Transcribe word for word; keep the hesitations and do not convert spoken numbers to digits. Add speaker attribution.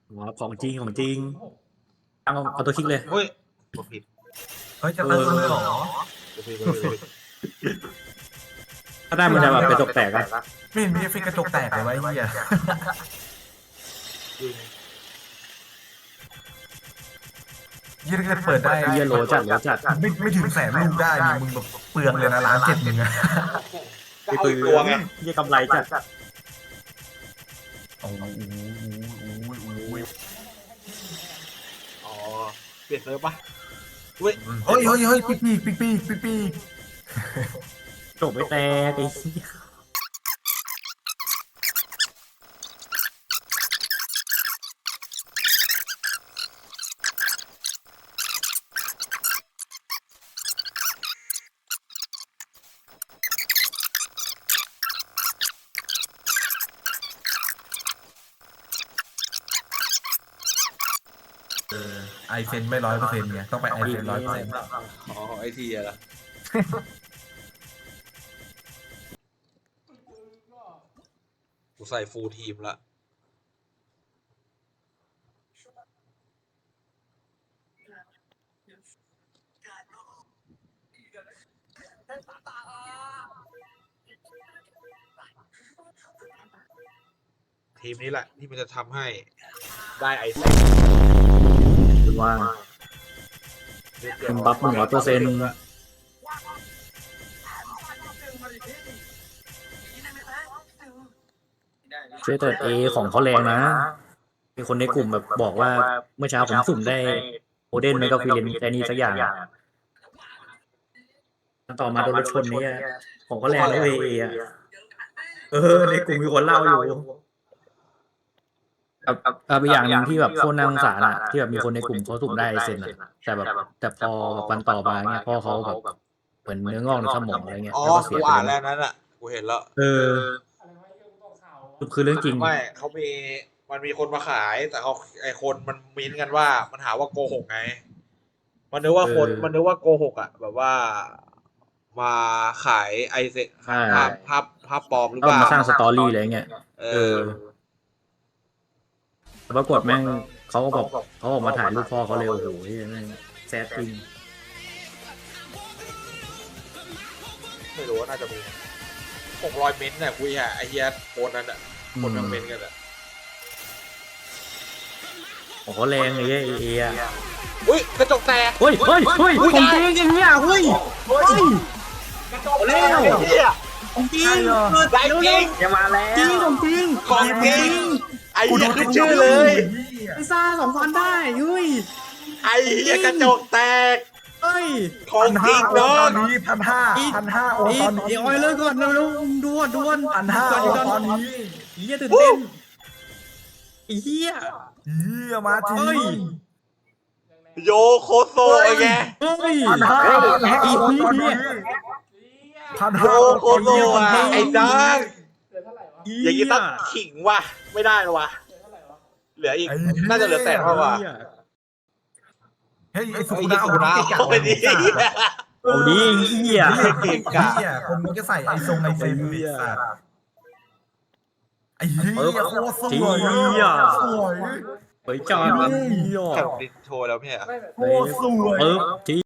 Speaker 1: ว้าของจริงของจริงเอาเอาตัวคลิกเลย
Speaker 2: เฮ้ยกดผิด
Speaker 3: เฮ้ยจะตั้งเลยเหรอก
Speaker 2: ดผิดกดผิด
Speaker 1: ถ้าได้มันจะแบบเป็นตกแตกอะ
Speaker 3: ไม่เห็นมีเอฟเฟกต์กระจกแตกเลยไวะไอ้เหี้ย
Speaker 2: จริง
Speaker 3: ยี่ถ้าเกิดเปิดได้
Speaker 1: เฮียโลจัดโลจัด
Speaker 3: ไม่ไม่ถึงแสนลูกได้นี่มึงแบบเปลืองเลยนะล้านเจ็ดหนึ่งอะ
Speaker 2: ก็เอาอีกตัวไง
Speaker 1: เฮียกำไรจัด
Speaker 3: โอ้โห
Speaker 2: อ๋อเปลี่ยนเซิร์ฟปะเว้ย
Speaker 3: เฮ้ยเฮ้ยเฮ้ยปีกปีกปีกปีกปีกปีก
Speaker 1: จบไม่แตกไอ้เหี้ย
Speaker 3: ไอเซนไม่ร้อยเปอร์เซ็นต์ไงต้องไปไอเซนร้อยเปอร์เซ็นต์
Speaker 2: อ๋อไอทีอะล่ะกูใส่ฟูลทีมละทีมนี้แหละที่มันจะทำให้ได้ไอเซน
Speaker 1: ว่าเป็นบัฟหนึ่งร้อยเปอร์เซ็นต์ช่วยเติร์ดเอของเขาแรงนะมีคนในกลุ่มแบบบอกว่าเมื่อเช้าผมสุ่มได้โอเดนไม่ก็ฟิเลนแต่นี่สักอย่างต่อมาโดนรถชนนี้ของเขาแรงนะเออะเออในกลุ่มมีคนเล่าอยู่กับกับอีกอย่างหนึ่งที่แบบโคตรน่าสงสารอ่ะที่แบบมีคนในกลุ่มเขาสุ่มได้เซนอ่ะแต่แบบแต่พอวันต่อมาเนี่ยพ่อเขาแบบเหมือนเนื้องอกในสมองอะไรเงี้ย
Speaker 2: อ๋อ
Speaker 1: แล้วก็เสี
Speaker 2: กู
Speaker 1: ยไป
Speaker 2: อ่าน
Speaker 1: เล
Speaker 2: แล้ว
Speaker 1: ย
Speaker 2: นั้นอ่ะกูเห็นแล้ว
Speaker 1: เออคือเรื่องจริง
Speaker 2: ไม่เขามีมันมีคนมาขายแต่เขาไอคนมันมิ้นกันว่ามันหาว่าโกหกไง มันนึกว่าคน
Speaker 1: เออ
Speaker 2: มันนึกว่าโกหกอ่ะ แบบว่า มาขายไอเซ
Speaker 1: ใช่
Speaker 2: ภาพภาพภาพปลอมหรือ
Speaker 1: ต้
Speaker 2: เป
Speaker 1: อง
Speaker 2: ล่า
Speaker 1: มาสร้างสตอรี่อะไรเงี้ย
Speaker 2: เอ
Speaker 1: เอ
Speaker 2: อ
Speaker 1: อแต่ปรากฏแม่งเขาก็บอกเขาออกมาถ่ายรูปพ่อเขาเร็วโอ้โหแม่งแซดจริง
Speaker 2: ไม่รู้ว่าน่าจะมีหกร้อยเมนต์น่ะคุยอ่ะไอเฮียโพสต์นั้นอ่ะ คนทั้งเมนต์กันอ่ะ
Speaker 1: ของเขาแรงเลยไอ้เออะ
Speaker 2: อุ้ยกระจกแตก
Speaker 1: เฮ้ยเฮ้ยเฮ้ยของจริงอย่างเงี้ยเฮ้ยเฮ้ย
Speaker 2: กระจกแตกไอ้เฮีย
Speaker 1: ของจริง
Speaker 2: ได้จริง
Speaker 1: จะมาแล้วจริงของจริง
Speaker 2: ของจริง ไอ้เฮียขึ้นชื่อเลย
Speaker 1: ไอ้ซ่าสองพันได้เฮ้ย
Speaker 2: ไอ้เฮียกระจกแตก
Speaker 1: เฮ้ย
Speaker 2: ของจริง
Speaker 3: ต
Speaker 2: น้อ
Speaker 3: อง นนี้พันห้าพันห้าโอ
Speaker 1: อี
Speaker 3: ตอนนี้
Speaker 1: อีออยเลยก่อนเร็วๆด่วนด่วน
Speaker 3: พันห้าโอตอนนี้
Speaker 1: เฮียตื่นเต้นไอ้เฮีย
Speaker 3: เฮียมาจริ
Speaker 1: เฮ้ย
Speaker 3: ง
Speaker 2: โยโคโซไอ้แก
Speaker 1: เฮ้ย
Speaker 3: พันห้า
Speaker 1: เฮ้ย
Speaker 3: พันห้า
Speaker 1: อี
Speaker 3: โอ
Speaker 1: พี
Speaker 3: ตอน
Speaker 1: เนี่
Speaker 3: นี้
Speaker 1: ย
Speaker 3: พัน
Speaker 2: โย
Speaker 3: ห้า
Speaker 2: โคโซอ่ะไอ้ดัง
Speaker 1: เหี้
Speaker 2: อย่างนี้ต้องขิงว่ะไม่ได้หรอวะเหลืออีก น่าจะเหลือแสนเท่าว่ะ
Speaker 1: เหี้ย
Speaker 3: เฮ้ยไอ้สุ
Speaker 2: ไอ้
Speaker 3: กุ
Speaker 2: ยี่
Speaker 3: นา
Speaker 2: สุกุนา
Speaker 3: เก่ง
Speaker 2: เอาไปดิ
Speaker 1: เอาดีเฮีย
Speaker 3: เก่งเฮียคนมันก็ใส่ไอทรงไอเซนไอ้สัตว์ไอ้เฮียโคตรสวยสวย
Speaker 1: เฮ้ยจอดเฮีย
Speaker 2: แข่งดินโชว์แล้วเนี่ย
Speaker 3: โคตรสวย
Speaker 1: เออจริง